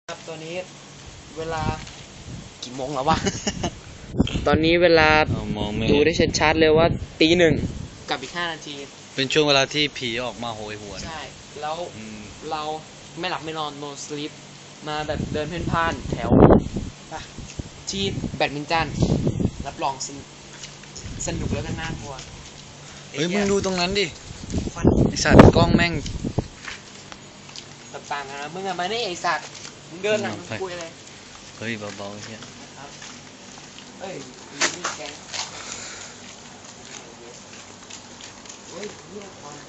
ครับตอนนี้เวลากี่โมงแล้ววะ ตอนนี้เวลาดูได้ชัดๆเลยว่าตี 1กับอีก5 นาทีเป็นช่วงเวลาที่ผีออกมาโหยหวนใช่แล้วเราไม่หลับไม่นอน no sleep มาแบบเดินเพ่นพ่านแถวที่แบดมินตันรับรองสนุกแล้วก็น่ากลัวเฮ้ยมึงดูตรงนั้นดิไอสัตว์กล้องแม่งต่างๆนะมึงอะมาเนี่ยไอสัตว์มึงเดินหลังคุยอะไรเฮ้ยเบาๆเฮียนะครับเอ้ยนี่แกงเฮ้ยเยี่ยควัน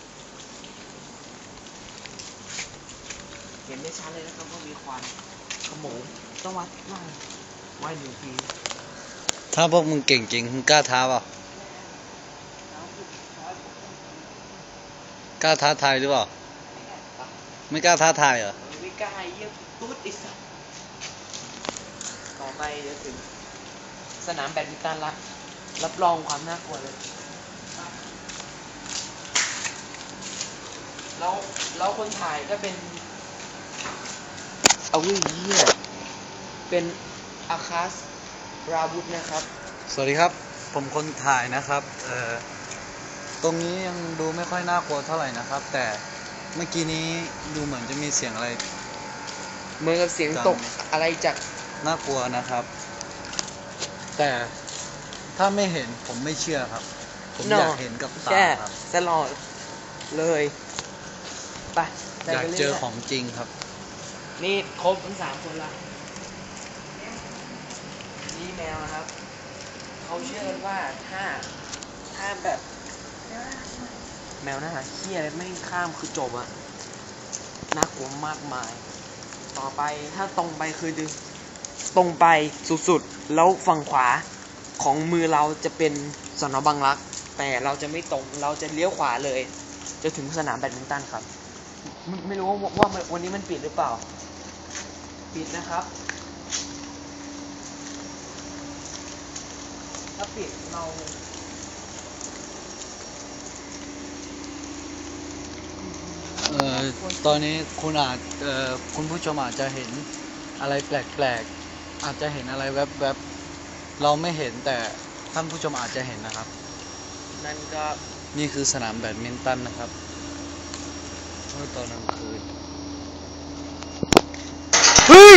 เห็นได้ชัดเลยนะครับว่ามีควันขโมงต้องวัดหน่อยวัด1 ทีถ้าพวกมึงเก่งจริงมึงกล้าท้าเปล่ากล้าท้าทายหรือเปล่าไม่กล้าท้าทายเหรอไม่กล้าเยี่ยตุ๊ดไอ้สัสต่อไปเดี๋ยวถึงสนามแบดมินตันละรับรองความน่ากลัวเลยแล้วคนถ่ายก็เป็นเอาเหี้ยเป็นอาคาสราบุตนะครับสวัสดีครับผมคนถ่ายนะครับตรงนี้ยังดูไม่ค่อยน่ากลัวเท่าไหร่นะครับแต่เมื่อกี้นี้ดูเหมือนจะมีเสียงอะไรเหมือนกับเสียงตกอะไรจากน่ากลัวนะครับแต่ถ้าไม่เห็นผมไม่เชื่อครับผมอยากเห็นกับตาครับตลอดเลยไปอยากเจอของจริงครับนี่ครบทั้ง3 คนละนี่แมวนะครับเขาเชื่อกันว่าถ้าแบบแมวนะฮะเหี้ยอะไรไม่ข้ามคือจบอะน่ากลัวมากมายต่อไปถ้าตรงไปคือดึงตรงไปสุดๆแล้วฝั่งขวาของมือเราจะเป็นสน.บางรักแต่เราจะไม่ตรงเราจะเลี้ยวขวาเลยจะถึงสนามแบดมินตันครับไม่รู้ว่าวันนี้มันปิดหรือเปล่าปิดนะครับถ้าปิดเราตอนนี้คุณผู้ชมอาจจะเห็นอะไรแปลกๆอาจจะเห็นอะไรแวบๆเราไม่เห็นแต่ท่านผู้ชมอาจจะเห็นนะครับนั่นก็นี่คือสนามแบดมินตันนะครับเมื่อตอนกลางคืนเฮ้ย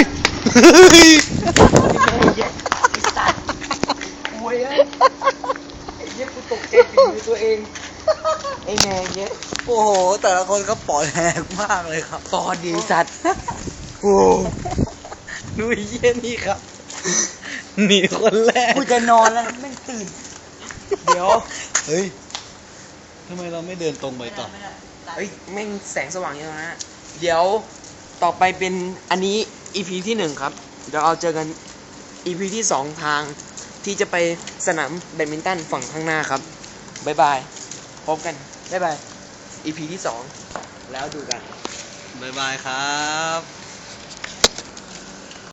ไอ้สัตว์โวยไอ้เหี้ยกูตกใจฝีมือตัวเองไอ้แม่เนี้ยโอ้โหแต่ละคนก็ปอดแหกมากเลยครับปอดดีสัตว์โอ้ดูเยี่ยนี่ครับหนีคนแรกกูจะนอนแล้วแม่งตื่นเดี๋ยวเฮ้ยทำไมเราไม่เดินตรงไปต่อเฮ้ยแม่งแสงสว่างอยู่นะเดี๋ยวต่อไปเป็นอันนี้ EP ที่ 1ครับเดี๋ยวเราเจอกัน EP ที่ 2ทางที่จะไปสนามแบดมินตันฝั่งข้างหน้าครับบ๊ายบายพบกันบ๊ายบาย EP ที่ 2แล้วดูกันบ๊ายบายครับ